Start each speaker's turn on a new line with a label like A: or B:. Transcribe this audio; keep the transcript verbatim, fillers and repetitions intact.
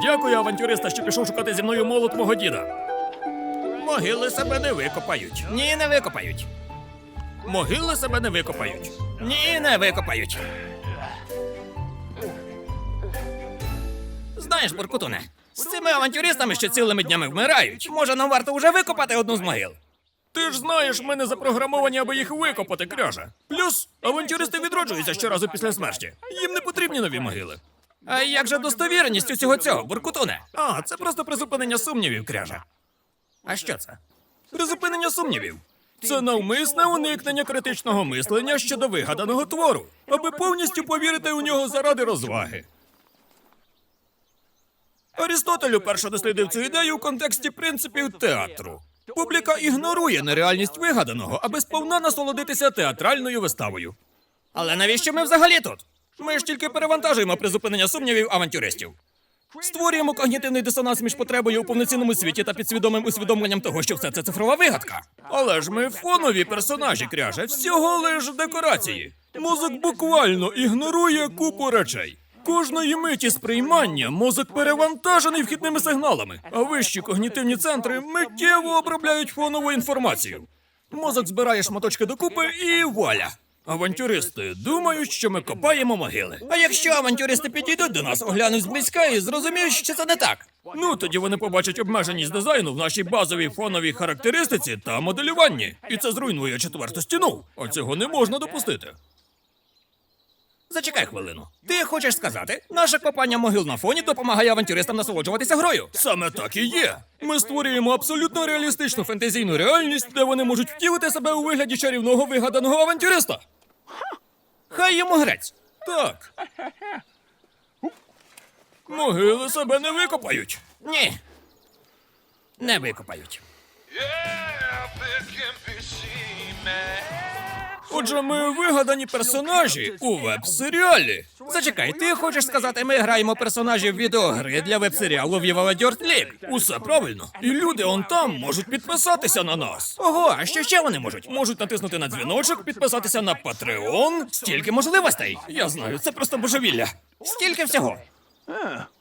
A: Дякую, авантюриста, що пішов шукати зі мною молот мого діда. Могили себе не викопають. Ні, не викопають. Могили себе не викопають. Ні, не викопають. Знаєш, Буркутуне, з цими авантюристами, що цілими днями вмирають, може, нам варто вже викопати одну з могил? Ти ж знаєш, ми не запрограмовані, аби їх викопати, кряже. Плюс, авантюристи відроджуються щоразу після смерті. Їм не потрібні нові могили. А як же достовіреність усього цього, Буркутуне? А, це просто призупинення сумнівів, кряже. А що це? Призупинення сумнівів. Це навмисне уникнення критичного мислення щодо вигаданого твору, аби повністю повірити у нього заради розваги. Арістотель уперше дослідив цю ідею у контексті принципів театру. Публіка ігнорує нереальність вигаданого, аби сповна насолодитися театральною виставою. Але навіщо ми взагалі тут? Ми ж тільки перевантажуємо призупинення сумнівів авантюристів. Створюємо когнітивний дисонанс між потребою у повноцінному світі та підсвідомим усвідомленням того, що все це цифрова вигадка. Але ж ми фонові персонажі, кряже, всього лиш декорації. Мозок буквально ігнорує купу речей. Кожної миті сприймання мозок перевантажений вхідними сигналами, а вищі когнітивні центри миттєво обробляють фонову інформацію. Мозок збирає шматочки докупи і вуаля! Авантюристи думають, що ми копаємо могили. А якщо авантюристи підійдуть до нас, оглянуть зблизька і зрозуміють, що це не так? Ну, тоді вони побачать обмеженість дизайну в нашій базовій фоновій характеристиці та моделюванні. І це зруйнує четверту стіну. А цього не можна допустити. Зачекай хвилину. Ти хочеш сказати, наше копання могил на фоні допомагає авантюристам насолоджуватися грою? Саме так і є. Ми створюємо абсолютно реалістичну фентезійну реальність, де вони можуть втілити себе у вигляді чарівного вигаданого авантюриста. Хай йому грець. Так. Могили себе не викопають. Ні. Не викопають. Отже, ми вигадані персонажі у веб-серіалі. Зачекай, ти хочеш сказати, ми граємо персонажів відеогри для веб-серіалу Viva la Dirt League? Усе правильно. І люди он там можуть підписатися на нас. Ого, а що ще вони можуть? Можуть натиснути на дзвіночок, підписатися на Patreon. Стільки можливостей. Я знаю, це просто божевілля. Стільки всього.